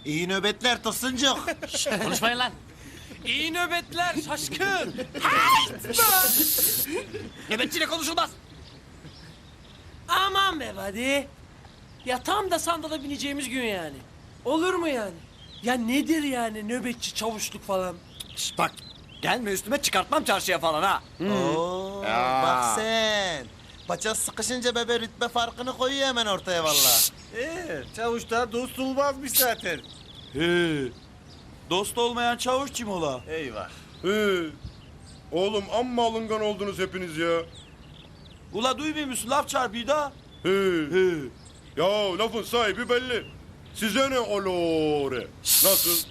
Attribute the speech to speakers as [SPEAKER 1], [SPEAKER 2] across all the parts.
[SPEAKER 1] İyi nöbetler Tosuncuk.
[SPEAKER 2] Konuşmayın lan.
[SPEAKER 3] İyi nöbetler şaşkın.
[SPEAKER 2] Nöbetçiyle konuşulmaz.
[SPEAKER 3] Aman be buddy. Ya tam da sandala bineceğimiz gün yani. Olur mu yani? Ya nedir yani nöbetçi çavuşluk falan?
[SPEAKER 4] Şişt, bak gelme üstüme çıkartmam çarşıya falan ha.
[SPEAKER 1] Oo, bak sen. Paça sıkışınca bebe rütbe farkını koyuyor hemen ortaya vallahi.
[SPEAKER 5] Çavuşlar dost olmazmış zaten.
[SPEAKER 6] He. Dost olmayan çavuş kim ola?
[SPEAKER 5] Eyvah.
[SPEAKER 7] Oğlum amma alıngan oldunuz hepiniz ya.
[SPEAKER 6] Ula duymuyor musun? Laf çarpıyor da.
[SPEAKER 7] He.
[SPEAKER 6] He.
[SPEAKER 7] Ya lafın sahibi belli. Size ne olore? Nasıl?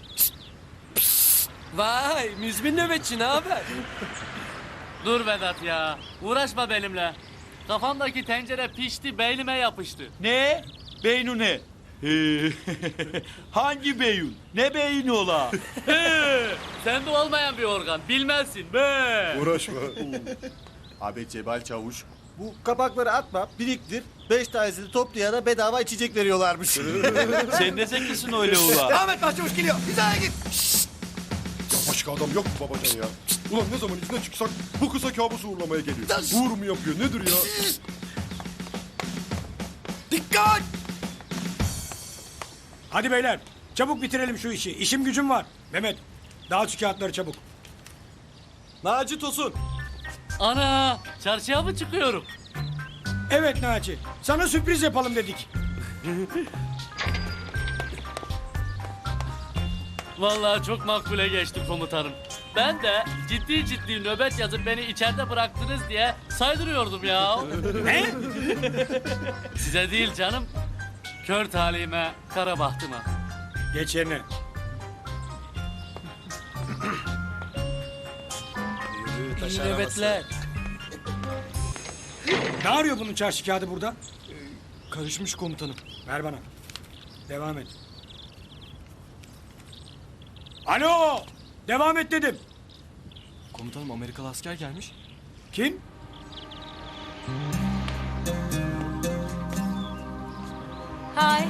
[SPEAKER 3] Vay müzmin nöbetçi ne haber?
[SPEAKER 2] Dur Vedat ya. Uğraşma benimle. Kafamdaki tencere pişti, beynime yapıştı.
[SPEAKER 6] Ne? Beynu ne? He. Hangi beyun? Ne beyni ola?
[SPEAKER 2] Sende olmayan bir organ, bilmezsin be.
[SPEAKER 7] Uğraşma.
[SPEAKER 5] Abi Cebal Çavuş. Bu kapakları atma, biriktir. 5 tanesini toplayana bedava içecek veriyorlarmış.
[SPEAKER 6] Sen ne zekisin öyle ula?
[SPEAKER 4] Devam et Başçavuş geliyor. Hizaya git.
[SPEAKER 7] Ya başka adam yok mu babacan ya? Ulan ne zaman izne çıksak bu kısa kabusu uğurlamaya geliyor. Uğur mu yapıyor nedir ya?
[SPEAKER 4] Dikkat!
[SPEAKER 8] Hadi beyler, çabuk bitirelim şu işi. İşim gücüm var. Mehmet, dağıt şu kağıtları çabuk.
[SPEAKER 5] Naci Tosun.
[SPEAKER 2] Ana, çarşıya mı çıkıyorum?
[SPEAKER 8] Evet Naci, sana sürpriz yapalım dedik.
[SPEAKER 2] Vallahi çok makbule geçtim komutanım. Ben de ciddi ciddi nöbet yazıp beni içeride bıraktınız diye saydırıyordum ya.
[SPEAKER 8] Ne?
[SPEAKER 2] Size değil canım, kör talihime, kara bahtıma.
[SPEAKER 8] Geç yerine.
[SPEAKER 3] İyi nöbetler.
[SPEAKER 8] Ne arıyor bunun çarşı kağıdı burada?
[SPEAKER 5] Karışmış komutanım.
[SPEAKER 8] Ver bana. Devam et. Alo! Devam et dedim.
[SPEAKER 5] Komutanım Amerikalı asker gelmiş.
[SPEAKER 8] Kim?
[SPEAKER 9] Hi.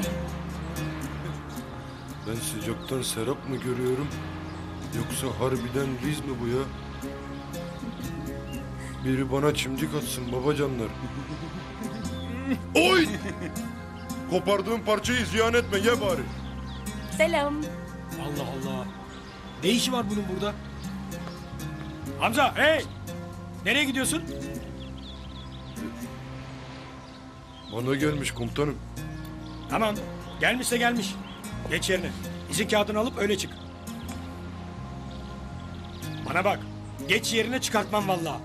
[SPEAKER 7] Ben sıcaktan serap mı görüyorum? Yoksa harbiden Riz mi bu ya? Biri bana çimdik atsın babacanlar. Oy! Kopardığım parçayı ziyan etme ye bari.
[SPEAKER 9] Selam.
[SPEAKER 8] Allah Allah. Ne işi var bunun burada? Hamza, hey! Nereye gidiyorsun?
[SPEAKER 7] Bana gelmiş komutanım.
[SPEAKER 8] Tamam, gelmişse gelmiş. Geç yerine. İzin kağıdını alıp öyle çık. Bana bak, geç yerine çıkartmam vallahi.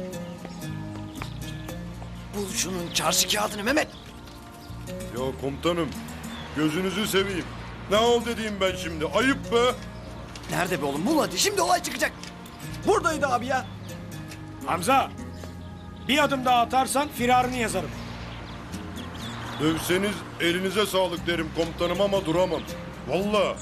[SPEAKER 4] Bul şunun çarşı kağıdını Mehmet.
[SPEAKER 7] Ya komutanım gözünüzü seveyim. Ne ol dediğim ben şimdi ayıp be.
[SPEAKER 4] Nerede be oğlum? Bul hadi. Şimdi olay çıkacak. Buradaydı abi ya.
[SPEAKER 8] Hamza, bir adım daha atarsan firarını yazarım.
[SPEAKER 7] Dövseniz elinize sağlık derim komutanım ama duramam. Vallahi.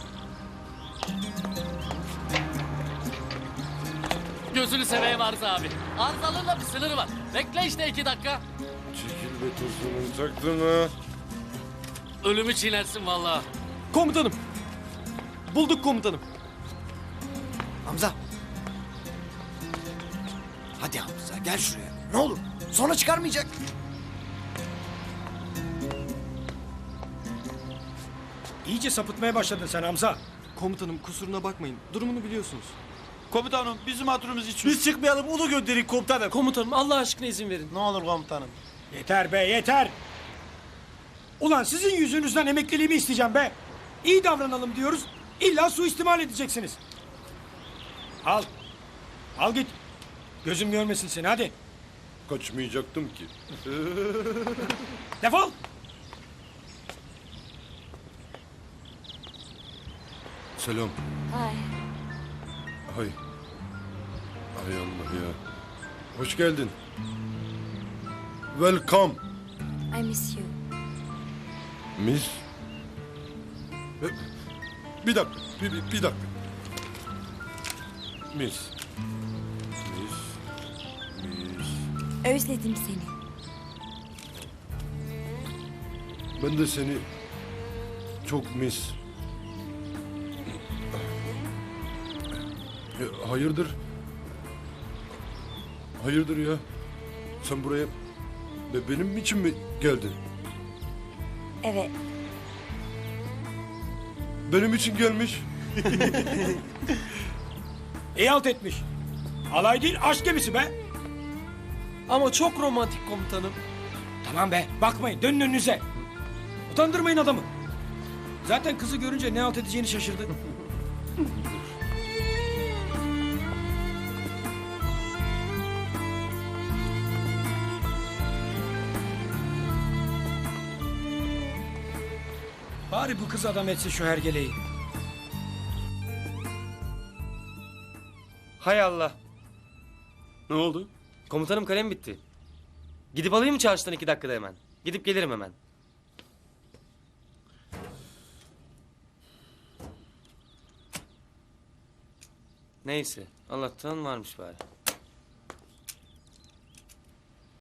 [SPEAKER 2] Gözünü seveyim Arıza abi. Arızalığın da bir sınırı var. Bekle işte 2 dakika.
[SPEAKER 7] Çekil be tosunum taktın ha.
[SPEAKER 2] Ölümü çiğnersin vallahi.
[SPEAKER 5] Komutanım. Bulduk komutanım.
[SPEAKER 4] Hamza. Hadi Hamza gel şuraya. Ne olur. Sonra çıkarmayacak.
[SPEAKER 8] İyice sapıtmaya başladın sen Hamza.
[SPEAKER 5] Komutanım kusuruna bakmayın. Durumunu biliyorsunuz.
[SPEAKER 6] Komutanım bizim hatırımız için.
[SPEAKER 5] Biz çıkmayalım onu gönderin komutanım.
[SPEAKER 3] Komutanım Allah aşkına izin verin.
[SPEAKER 1] Ne olur komutanım.
[SPEAKER 8] Yeter be, yeter! Ulan sizin yüzünüzden emekliliğimi isteyeceğim be! İyi davranalım diyoruz, illa suistimal edeceksiniz. Al, al git. Gözüm görmesin seni, hadi.
[SPEAKER 7] Kaçmayacaktım ki.
[SPEAKER 8] Defol!
[SPEAKER 7] Selam.
[SPEAKER 9] Hi.
[SPEAKER 7] Hay. Hay Allah ya. Hoş geldin. Welcome.
[SPEAKER 9] I miss you.
[SPEAKER 7] Miss. Bir dakika. Bir dakika. Miss. Miss.
[SPEAKER 9] Özledim seni.
[SPEAKER 7] Ben de seni çok miss. Hayırdır? Hayırdır ya? Sen buraya benim için mi geldin?
[SPEAKER 9] Evet.
[SPEAKER 7] Benim için gelmiş.
[SPEAKER 8] İyi halt etmiş. Alay değil aşk gemisi be.
[SPEAKER 3] Ama çok romantik komutanım.
[SPEAKER 8] Tamam be bakmayın dönün önünüze. Utandırmayın adamı. Zaten kızı görünce ne halt edeceğini şaşırdı. Bari bu kız adam etse şu hergeleyi.
[SPEAKER 10] Hay Allah. Ne oldu? Komutanım kalem bitti. Gidip alayım mı çarşıdan 2 dakikada hemen? Gidip gelirim hemen. Neyse Allah'tan varmış bari.